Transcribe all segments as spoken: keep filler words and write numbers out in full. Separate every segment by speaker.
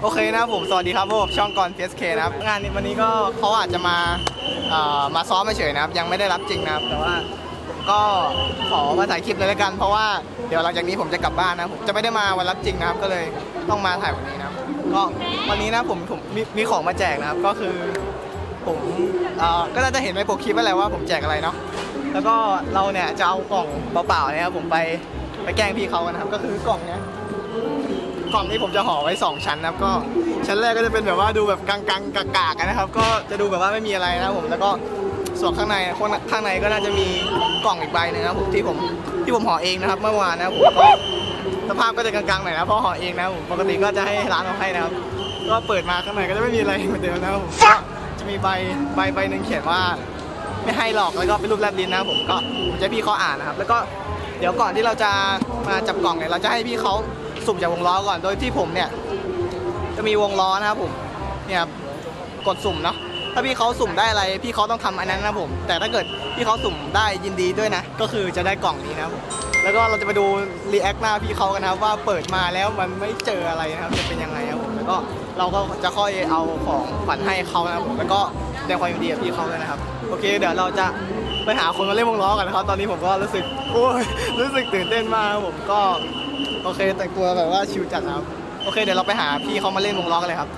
Speaker 1: โอเคนะครับผมสวัสดีครับผมช่องกร พี เอส เค นะครับงานวันนี้ก็เขาอาจจะมาเอ่อมาซ้อมเฉยๆนะครับยังไม่ได้รับจริงนะครับแต่ว่าผมก็ขอมาถ่ายคลิปเลยแล้วกันเพราะว่าเดี๋ยวหลังจากนี้ผมจะกลับบ้านนะผมจะไม่ได้มาวันรับจริงนะครับก็เลยต้องมาถ่ายวันนี้นะครับก็วันนี้นะผมผมมีมีของมาแจกนะครับก็คือผมเอ่อก็น่าจะเห็นในโปรคลิปไปแล้วว่าผมแจกอะไรเนาะแล้วก็เราเนี่ยจะเอากล่องเปล่าๆเนี่ยครับผมไปไปแกล้งพี่เขากันนะครับก็คือกล่องเนี้ยกล่องนี้ผมจะห่อไว้สองชั้นนะครับก็ชั้นแรกก็จะเป็นแบบว่าดูแบบกังๆกากๆกันนะครับก็จะดูแบบว่าไม่มีอะไรนะครับผมแล้วก็ส่วนข้างในข้างในก็น่าจะมีกล่องอีกใบนึงนะครับผมที่ผมที่ผมห่อเองนะครับเมื่อวานนะครับผมก็สภาพก็จะกลางๆหน่อยนะเพราะห่อเองนะครับผมปกติก็จะให้ร้านเอาให้นะครับก็เปิดมาข้างในก็จะไม่มีอะไรเหมือนเดิมนะครับผมก็จะมีใบใบใบหนึ่งเขียนว่าไม่ให้หรอกแล้วก็เป็นรูปแลบลิ้นนะครับผมก็ผมจะให้พี่เขาอ่านนะครับแล้วก็เดี๋ยวก่อนที่เราจะมาจับกล่องเนี่ยเราจะให้พี่เขาสุ่มจากวงล้อก่อนโดยที่ผมเนี่ยจะมีวงล้อนะครับผมเนี่ยกดสุ่มเนาะถ้าพี่เขาสุ่มได้อะไรพี่เขาต้องทำอันนั้นนะผมแต่ถ้าเกิดพี่เขาสุ่มได้ยินดีด้วยนะก็คือจะได้กล่องนี้นะครับผมแล้วก็เราจะไปดูรีแอคหน้าพี่เขากันนะครับว่าเปิดมาแล้วมันไม่เจออะไรนะครับจะเป็นยังไงครับผมแล้วก็เราก็จะค่อยเอาของขวัญให้เขานะครับผมแล้วก็แสดงความยินดีกับพี่เขาด้วยนะครับโอเคเดี๋ยวเราจะไปหาคนมาเล่นวงล้อกันนะครับตอนนี้ผมก็รู้สึกโอ้ยรู้สึกตื่นเต้นมากครับผมก็โอเคแต่งตัวแบบว่าชิลจัดนะครับโอเคเดี๋ยวเราไปหาพี่เขามาเล่นวงล้อกันเลยครับ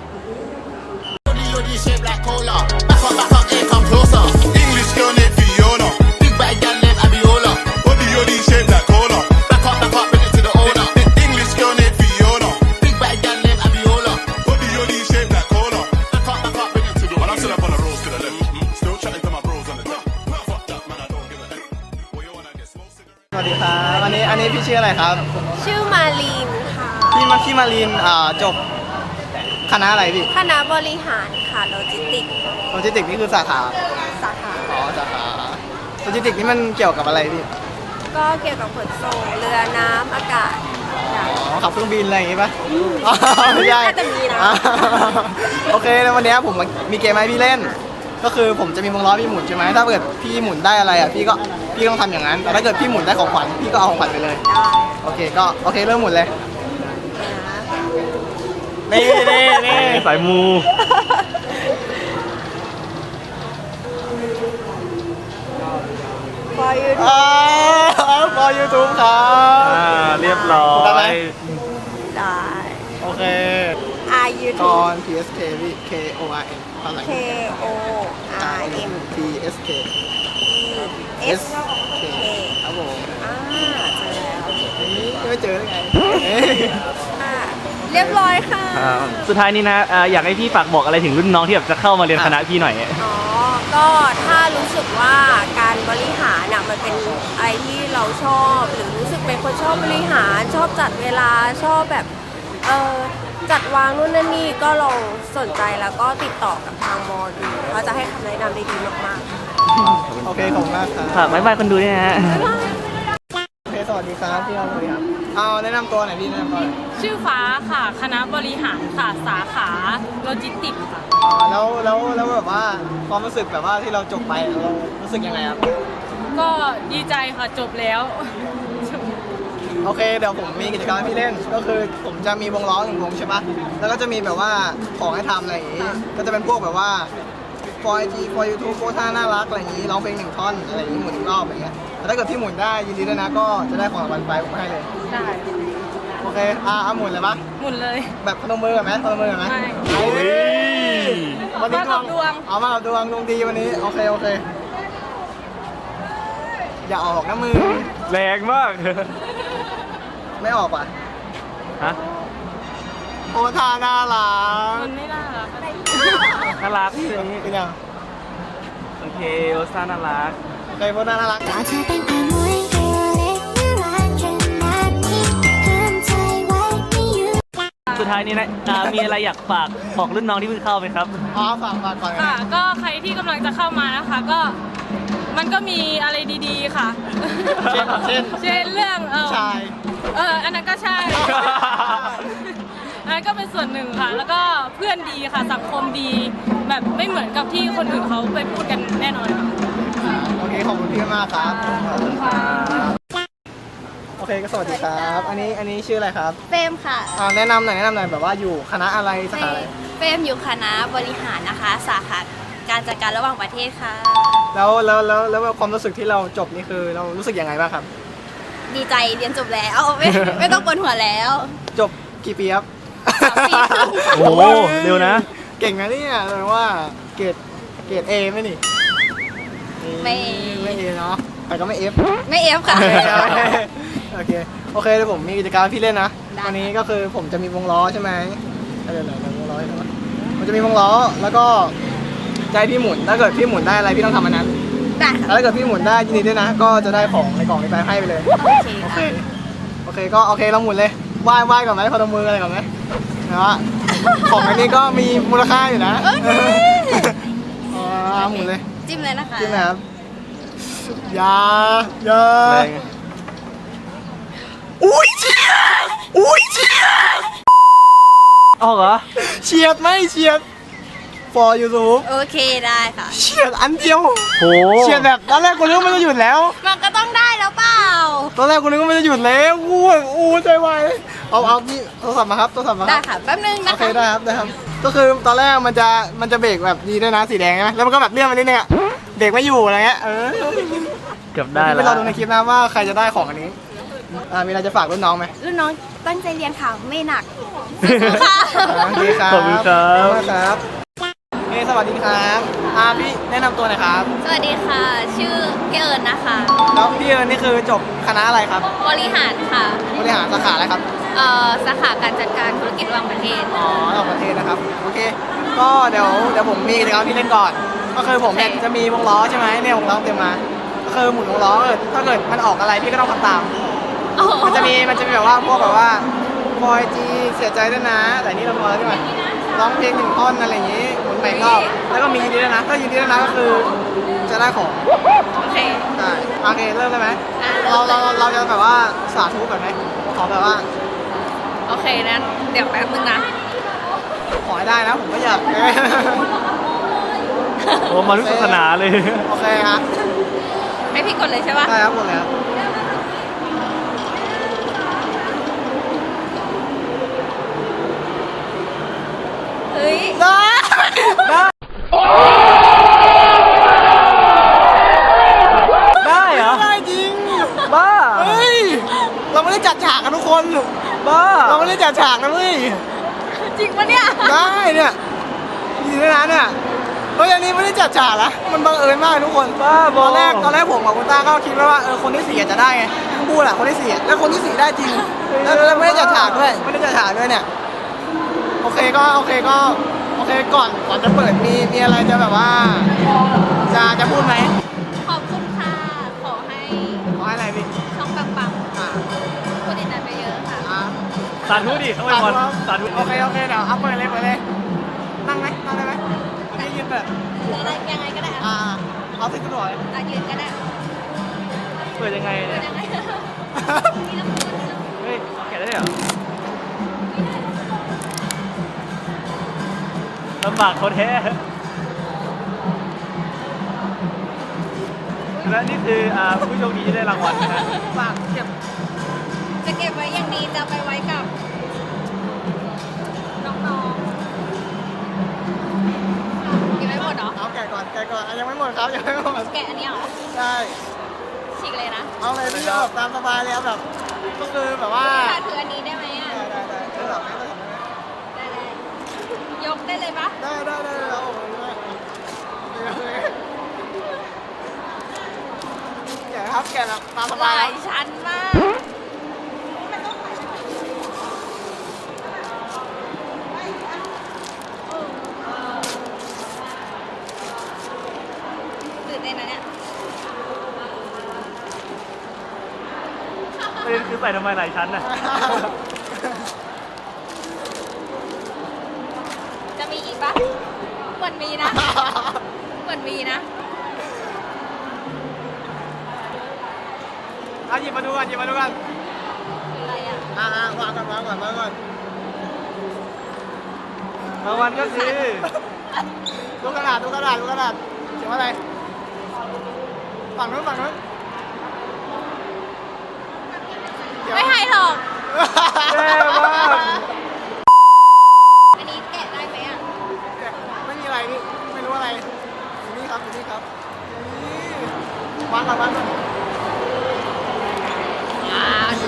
Speaker 1: สวัสดีครับอันนี้อันนี้พี่ชื่ออะไรครับ
Speaker 2: ชื่อมาลีนค่ะ
Speaker 1: พี่มาพี่มาลีนอ่าจบคณะอะไรพี่
Speaker 2: คณะบริหารค่ะโลจิสติก
Speaker 1: โลจิสติกนี่คือสาขา
Speaker 2: สาขา
Speaker 1: อ๋อสาขาโลจิสติกนี่มันเกี่ยวกับอะไรพี่
Speaker 2: ก็เกี่ยวกับขนส่งเรือน้ำอากาศ
Speaker 1: อ๋อขับเครื่องบินอะไรอย่างงี้ป่ะไม่ใช่
Speaker 2: แต่มีนะ
Speaker 1: โอเคแล้ววันนี้ผมมีเกมให้พี่เล่นก็คือผมจะมีวงล้อพี่หมุนใช่ไหมถ้าเกิดพี่หมุนได้อะไรอ่ะพี่ก็พี่ต้องทำอย่างนั้นแต่ถ้าเกิดพี่หมุนได้ของขวัญพี่ก็เอาของขวัญไปเลยโอเคก็โอเคเริ่มหมุนเลยนี่นี่นี่
Speaker 3: สายมู
Speaker 2: พอยูทูบ
Speaker 1: อ่าพอยูทูบครับ
Speaker 3: อ่าเรียบร้อย
Speaker 2: ได้
Speaker 1: โอเค
Speaker 2: R U
Speaker 1: ตอน P S K K O R N
Speaker 2: K O R M
Speaker 1: P S K
Speaker 2: S K
Speaker 1: ครับผม
Speaker 2: อ่าเจอแล้ว
Speaker 1: ไม่เจอได้ไง
Speaker 2: เรียบร้อยค่ะ
Speaker 3: สุดท้ายนี้นะอยากให้พี่ฝากบอกอะไรถึงรุ่นน้องที่แบบจะเข้ามาเรียนคณะพี่หน่อย
Speaker 2: อ๋อก็ถ้ารู้สึกว่าการบริหารน่ะมันเป็นอะไรที่เราชอบหรือรู้สึกเป็นคนชอบบริหารชอบจัดเวลาชอบแบบเออจัดวางนู่นนั่นนี่ก็ลองสนใจแล้วก็ติดต่อกับทางมอดูเขาจะให้คำแนะนำได้ดีมาก
Speaker 1: ๆโอเคขอบคุณมากครับ
Speaker 3: ฝากบ๊ายบายคนดูด้วยนะฮะ
Speaker 1: โอเคสวัสดีครับพี่น้องสวัสดีครับเอาแนะนำตัวหน่อยพี่แนะนำตัว
Speaker 4: ชื่อฟ้าค่ะคณะบริหารค่ะสาขาโลจิสติกส์ค่ะ
Speaker 1: อ๋อแล้วแล้วแล้วแบบว่าความรู้สึกแบบว่าที่เราจบไปเรารู้สึกยังไงครับ
Speaker 4: ก็ดีใจค่ะจบแล้ว
Speaker 1: โอเคเดี๋ยวผมมีกิจกรรมให้พี่เล่นก็คือผมจะมีวงล้อหนึ่งวงใช่ปะแล้วก็จะมีแบบว่าของให้ทำอะไรอย่างงี้ก็จะเป็นพวกแบบว่าฟอยจีฟอยยูทูบโพสท่าน่ารักอะไรอย่างงี้ร้องเพลงหนึ่งท่อนอะไรอย่างงี้หมุนอีกรอบอะไรเงี้ยแต่ถ้าเกิดพี่หมุนได้ยินดีด้วยนะก็จะได้ของรางวัลไปผมให้เลย
Speaker 4: ได้
Speaker 1: โอเคอ่ะเอาหมุนเลยปะ
Speaker 4: หมุนเลย
Speaker 1: แบบพนมมือกันไหมพนมมือกันไหม
Speaker 4: ไม่
Speaker 1: วันนี้
Speaker 4: ดวง
Speaker 1: เอามาดวงดวงดีวันนี้โอเคโอเคอย่าออกนะมือ
Speaker 3: แรงมาก
Speaker 1: ไม่ออกป่ะ
Speaker 3: ฮะ
Speaker 1: โอ้ท่าน่ารัก
Speaker 4: มันไม่น่ารัก
Speaker 3: น่ารัก
Speaker 1: เป็นยัง
Speaker 3: โอเคโอซ่าน่ารัก
Speaker 1: เคยพูดน่ารัก
Speaker 3: สุดท้ายนี้นะมีอะไรอยากฝากบอกรุ่นน้องที่เพิ่งเข้าไหมครับ
Speaker 1: อ๋อฝากฝากก่อน
Speaker 4: ค่ะก็ใครที่กำลังจะเข้ามานะคะก็มันก็มีอะไรดีๆค่ะ
Speaker 1: เช่นเช่น
Speaker 4: เช่นเรื่องเออ
Speaker 1: ใช่
Speaker 4: เอออันนั้นก็ใช่อันนั้นก็เป็นส่วนหนึ่งค่ะแล้วก็เพื่อนดีค่ะสังคมดีแบบไม่เหมือนกับที่คนอื่นเขาไปพูดกันแน่นอนค่ะ
Speaker 1: โอเคขอบคุณพี่มากครับ
Speaker 4: ขอบคุณค่ะ
Speaker 1: โอเคก็สวัสดีครับ อันนี้อันนี้ชื่ออะไรครับ
Speaker 2: เฟรมค่ะ
Speaker 1: อ่าแนะนำหน่อยแนะนำหน่อยแบบว่าอยู่คณะอะไรสาขาอะไร
Speaker 2: เฟรมอยู่คณะบริหารนะคะ สาขาการจัดการระหว่างประเทศค่ะ
Speaker 1: แล้วแล้วแล้วแล้วความรู้สึกที่เราจบนี่คือเรารู้สึกยังไงบ้างครับ
Speaker 2: ดีใจเรียนจบแล้วไม่ ไม่ต้องปวดหัวแล้ว
Speaker 1: จบกี่ปีครับ
Speaker 2: สามปีครึ่ง
Speaker 3: โอ้โหเร็วนะ
Speaker 1: เก่งนะเนี่ยแปลว่าเกรดเกรดเอไหมนี่
Speaker 2: ไม่
Speaker 1: ไม่เอเนาะแต่ก็ไม่เอฟ
Speaker 2: ไม่เอฟค่ะ
Speaker 1: โอเคโอเคเดี๋ยวผมมีกิจกรรมให้พี่เล่นนะ
Speaker 2: ได้
Speaker 1: วันนี้ก็คือผมจะมีวงล้อใช่ไหมเดี๋ยวเดี๋ยวเดี๋ยววงล้อใช่ไหมมันจะมีวงล้อแล้วก็ใจะให้พี่หมุนถ้าเกิดพี่หมุนได้อะไรพี่ต้องทำอันนั้น
Speaker 2: ได้
Speaker 1: แล้วถ้าเกิดพี่หมุนได้ยินดีด้วยนะ ก็จะได้ของในกล่องนี้ไปให้ไปเลย
Speaker 2: โอเค
Speaker 1: โอเค
Speaker 2: ค่ะ
Speaker 1: โอเคก็โอเคเราหมุนเลยไหว้ไหว้ก่อนไหมพนมมืออะไรก่อนไหมนะว่าของอันนี้ก็มีมูลค่าอยู่นะ
Speaker 2: โอเค
Speaker 1: อ๋อหมุนเลย
Speaker 2: จิ้มเลยนะคะ
Speaker 1: จริงนะครับอยาอยา
Speaker 3: แรง
Speaker 1: อุ้ยเฉียดอุ้ยเฉียด
Speaker 3: ออกเหรอ
Speaker 1: เฉียดไหมเฉียด for YouTube
Speaker 2: โอเคได้ค่ะ
Speaker 1: เฉียดอันเดียว
Speaker 3: โห
Speaker 1: เฉียดแบบตอนแรกกูนึกว่ามันจะหยุดแล้ว
Speaker 2: มันก็ต้องได้แล้วเปล่า
Speaker 1: ตอนแรกกูนึกว่ามันจะหยุดแล้วกูแบบอู้ใจวายเอาเอาพี่โทรศัพท์มาครับโทรศัพท์มาค
Speaker 2: ได้
Speaker 1: รับ
Speaker 2: ค่ะแป๊บนึงนะ
Speaker 1: โอเค
Speaker 2: คะ
Speaker 1: ได้ครับได้ครับ ก็คือตอนแรกมันจะมันจะเบรกแบบดีด้วยนะสีแดงใช่ไหมแล้วมันก็แบบเลื่อนมานิดนึงอะเบรกไม่อยู่อะไรเงี้ยเออ
Speaker 3: เกือบได้
Speaker 1: ไป
Speaker 3: แล้ว
Speaker 1: รอดูในคลิปนะว่าใครจะได้ของอันนี้อ่ามีอะไรจะฝากรุ่นน้องไหม
Speaker 2: รุ่นน้องตั้งใจเรียนค่ะไม่หนักสู้ๆค่ะ
Speaker 1: อ่าโอเคครับ
Speaker 3: ขอบคุณครับ
Speaker 1: ขอบคุณครับเฮ้ยสวัสดีครับอ่าพี่แนะนำตัวหน่อยครับ
Speaker 2: สวัสดีค่ะ ชื่อพี่เอิญนะคะ
Speaker 1: แล้วพี่เอิญนี่คือจบคณะอะไรครับ
Speaker 2: บริหารค่ะ
Speaker 1: บริหารสาขาอะไรครับ
Speaker 2: เอ่อสาขาการจัดการธุรกิจระหว่างประเทศ
Speaker 1: อ๋อต่างประเทศนะครับ โอเค ก็เดี๋ยวเดี๋ยวผมมีกิจกรรมที่เล่นก่อน ก็คือผมเนี่ยจะมีวงล้อใช่ไหมเนี่ยวงล้อเตรียมมา ก็คือหมุนวงล้อเออถ้าเกิดมันออกอะไรพี่ก็ต้องทำตาม มันจะมีมันจะมีแบบว่าพวกแบบว่าบอยจีเสียใจด้วยนะ แต่นี่เราพอแล้วใช่ไหมร้องเพลงหนึ่งท่อนอะไรอย่างนี้หมุนไปอีกรอบแล้วก็มียินดีด้วยนะถ้ายินดีด้วยนะก็คือจะได้ของ
Speaker 2: โอเค
Speaker 1: ได้โอเคเริ่มเลยไหม
Speaker 2: อ่ะ
Speaker 1: เราเราเราจะแบบว่าสาธุแบบไหมขอแบบว่า
Speaker 2: โอเคนะเดี๋ยวแป๊บนึงนะ
Speaker 1: ขอให้ได้นะผมก็อยาก
Speaker 3: โอ้มาทุกศาสนาเลย
Speaker 1: โอเคครับ
Speaker 2: ให้พี่กดเลยใช่ปะ
Speaker 1: ได้ครับหมดแล้ว
Speaker 2: เฮ้ย
Speaker 1: ได้ได้
Speaker 3: ได้เหรอ
Speaker 1: ได้จริง
Speaker 3: บ้า
Speaker 1: เฮ้ยเราไม่ได้จัดฉากกันทุกคน
Speaker 3: บ้า
Speaker 1: เราไม่ได้จัดฉากนะเว้ย
Speaker 2: จริงปะเนี่ย
Speaker 1: ได้เนี่ยดีด้วยนะเนี่ยเฮ้ยอันนี้ไม่ได้จัดฉากนะมันบังเอิญมากทุกคน
Speaker 3: บ้าบ
Speaker 1: ต
Speaker 3: อ
Speaker 1: อนแรกตอนแรกผมกับคุณต้าก็คิดว่าเออคนที่สี่อาจจะได้ไงพูดอะคนที่สี่อะแล้วคนที่สี่ได้จริงแล้วแล้วไม่ได้จัดฉากด้วยไม่ได้จัดฉากด้วยเนี่ยโอเคก็โอเคก็โอเคก่อนก่อนจะเปิดมีมีอะไรจะแบบว่าจะจะพูดไหม
Speaker 2: ขอบคุณค่ะ ขอให้
Speaker 1: ขอให้อะไรพี่
Speaker 2: ช่องปัง
Speaker 1: อ่า
Speaker 2: ๆคนติดตามไปเยอะค่ะ
Speaker 1: อ่า
Speaker 3: สาธุดิเขาไปบอลสาธุ
Speaker 1: โอเคโอเคเดี๋ยวเอาเปิดเลยเปิดเลยนั่งไหมนั่งได้ไหมอันนี้ยืนเปิด
Speaker 2: หรืออะไรยังไงก็ได้
Speaker 1: อ่าเอาสิคุณหน่อย
Speaker 2: อ่ะยืนก็ได้
Speaker 3: เปิดยังไง
Speaker 2: เปิ
Speaker 3: เนี่
Speaker 2: ด
Speaker 3: ย
Speaker 2: ยังไงนี่ต้องพูด
Speaker 3: เฮ้ยแกะได้เหรอลำบากเขาแท้ และนี่คืออ่าผู้โชคดีที่ได้รางวัลนะฮะ
Speaker 1: ฝากเก็บ
Speaker 2: จะเก็บไว้อย่างดีจะเอาไปไว้กับน้องๆเก็บไว้หมดเหรอ
Speaker 1: เอาแกะก่อนแกะก่อนอ่ะยังไม่หมดครับยังไม่หมด
Speaker 2: แกะอันนี้เหรอ
Speaker 1: ใช่
Speaker 2: ฉีกเลยนะ
Speaker 1: เอาเลยพี่เอาแบบตามสบายเลยเอาแบบก็คือแบบว่า
Speaker 2: ถ้าถืออันนี้ได้ไหมอ่ะ
Speaker 1: ได้ได้ได้ได้แบบไหมได้แบบไหม
Speaker 2: ได้เลยยกได้เลยปะ
Speaker 1: ได้ได้ได้ได้เอาผมด้วยแกะครับแกะแบบตามส
Speaker 2: ห
Speaker 1: บาย
Speaker 2: ลา
Speaker 1: ค
Speaker 2: ย
Speaker 1: รับ
Speaker 2: ชั้นมากตื่นเต้นนะเนี่ย
Speaker 3: ประเด็นคือใส่ทำไมหลายชั้นน่ะ
Speaker 2: จะมีอีกปะเหมือนมีนะ เหมือนมีนะ
Speaker 1: เอาหยิบมาดูกันหยิบมาดูกัน
Speaker 2: อะไรอ่ะ
Speaker 1: อ่าวางก่อนวางก่อนวางก่อน
Speaker 3: รางวัลก็คือ
Speaker 1: ดูกระดาษดูกระดาษดูกระดาษเขียนว่าอะไรฝั่งนู้นฝั่งนู้น
Speaker 2: ไม่ให้หรอก
Speaker 1: แย่มาก
Speaker 2: อันนี้แกะได้ไหมอ่ะ
Speaker 1: ไม่มีอะไรพี่ไม่รู้อะไรอยู่นี่ครับอยู่นี่ครับนี่วางก่อนวางก่อน
Speaker 2: ว้าว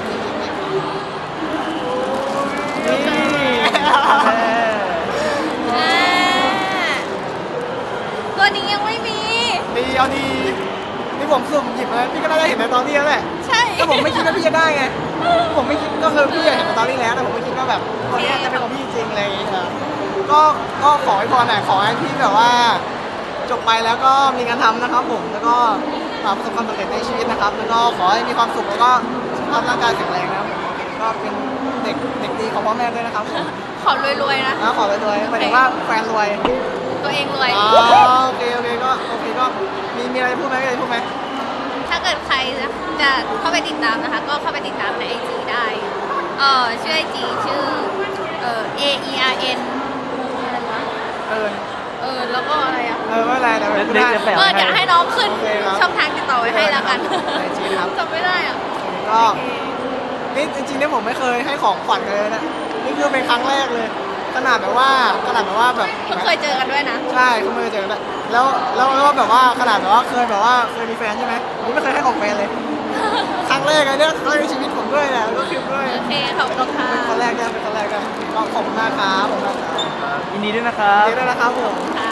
Speaker 2: ตัวนี้ยังไม่มี
Speaker 1: ดีเอาดีนี่ผมสุ่มหยิบแล้วพี่ก็น่าจะเห็นในตอนนี้แล้วแหละ
Speaker 2: ใช่
Speaker 1: ก็ผมไม่คิดว่าพี่จะได้ไง ผมไม่คิดก็คือพี่อยากเห็นในตอนนี้แล้วแต่ผมไม่คิดว่าแบบตัวเนี้ยจะเป็นของพี่จริงๆอะไรอย่างเงี้ยครับก็ก็ขอให้พรหน่อยขอให้พี่แบบว่า จบไปแล้วก็มีงานทำนะครับผมแล้วก็ประสบความสำเร็จในชีวิตนะครับ แล้วก็ขอให้มีความสุขแล้วก็สุขภาพร่างกายแข็งแรงนะครับผมก็เป็นเด็กเด็กดีของพ่อแม่ด้วยนะครับผม
Speaker 2: ขอรวยๆนะ
Speaker 1: นะขอรวยๆหมายถึงว่าแฟนรวย
Speaker 2: ตัวเองรวย
Speaker 1: อ๋อโอเคโอเคก็โอเคก็มีมีอะไรจะพูดไหมมีอะไรจะพูดไหม
Speaker 2: ถ้าเกิดใครจะเข้าไปติดตามนะคะ ก็เข้าไปติดตามในไอจีได้ เออชื่อไอจีชื่อเออ A E R N อะไรวะ
Speaker 1: เออ
Speaker 2: เออแล้วก็อะไรอ่ะ
Speaker 1: เออไม่เป็นไรเดี๋ยว
Speaker 3: เล็ก
Speaker 1: พูด
Speaker 3: ๆ
Speaker 1: ได้
Speaker 3: จะแปะ
Speaker 2: เออเดี๋ยวให้น้องขึ้น
Speaker 1: โอเคครับ
Speaker 2: ช่องทางติดต่อไว้ให้แล้วกัน
Speaker 1: ในจีนครับ
Speaker 2: จำไม่ได้อ่ะ
Speaker 1: ก็นี่จริงๆเนี่ยผมไม่เคยให้ของขวัญเลยนะนี่คือเป็นครั้งแรกเลย ขนาดแบบว่าขนาดแบบว่าแบบ
Speaker 2: เพิ่งเคยเจอกันด้วยนะ
Speaker 1: ใช่เขาไม่เคยเจอกันแล้วแล้วแล้วแบบว่าขนาดแบบว่าเคยแบบว่าเคยมีแฟนใช่ไหมผมไม่เคยให้ของแฟนเลย ครั้งแรกเลยเนี่ยครั้งแรกในชีวิตผมด้วยแหละแล้วก็คลิปด้วย
Speaker 2: โอเคขอบคุณค่ะ
Speaker 1: เป็นครั้งแรกเนี่ยเป็นครั้งแรกเนี่ยก็ขอบคุณมากครับขอบคุณมากครับ
Speaker 3: ยินดีด้วยนะครับ
Speaker 1: เดี๋ยวด้วยนะครับผม
Speaker 2: ค่ะ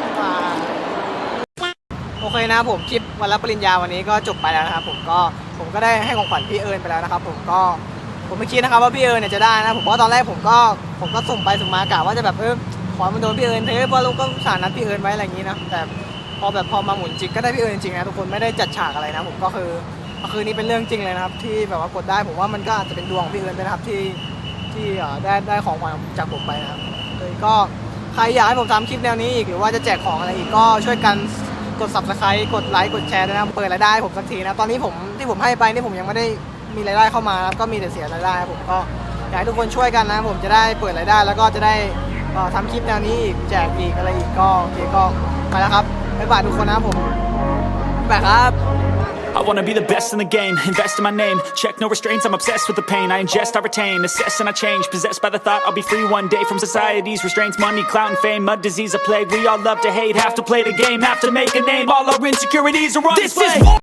Speaker 1: โอเคนะครับผมคลิปวันรับปริญญาวันนี้ก็จบไปแล้วนะครับผมก็ผมก็ได้ให้ของขวัญพี่เอิญไปแล้วนะครับผมก็ผมไม่คิดนะครับว่าพี่เอิญเนี่ยจะได้นะผมเพราะตอนแรกผมก็ผมก็ส่งไปส่งมากะว่าจะแบบเออขอมันโดนพี่เอิญเถอะเพราะเราก็สารนัดพี่เอิญไว้อะไรอย่างนี้นะแต่พอแบบพอมาหมุนจริงก็ได้พี่เอิญจริงๆนะทุกคนไม่ได้จัดฉากอะไรนะผมก็คือก็คือนี่เป็นเรื่องจริงเลยนะครับที่แบบว่ากดได้ผมว่ามันก็อาจจะเป็นดวงของพี่เอิญด้วยนะครับที่ที่เอ่อได้ได้ของขวัญจากผมไปนะครับเลยก็ใครอยากให้ผมทำคลิปแนวนี้อีกหรือว่าจะแจกของอะไรอีกก็ช่วยกัน กด ซับสไครบ์ กดไลค์ กดแชร์ด้วยนะครับเปิดรายได้ให้ผมสักทีนะ ตอนนี้ผมที่ผมให้ไปนี่ผมยังไม่ได้มีรายได้เข้ามานะครับก็มีแต่เสียรายได้ครับผมก็อยากให้ทุกคนช่วยกันนะผมจะได้เปิดรายได้แล้วก็จะได้เอ่อทำคลิปแนวนี้อีกแจกอีกอะไรอีกก็โอเคก็ไปแล้วครับบ๊ายบายทุกคนนะครับผมบ๊ายบายครับ
Speaker 5: I wanna be the best in the game, invest in my name. Check no restraints, I'm obsessed with the pain. I ingest, I retain, assess and I change. Possessed by the thought I'll be free one day from society's restraints. Money, clout and fame, mud, disease, a plague. We all love to hate, have to play the game, have to make a name. All our insecurities are on display.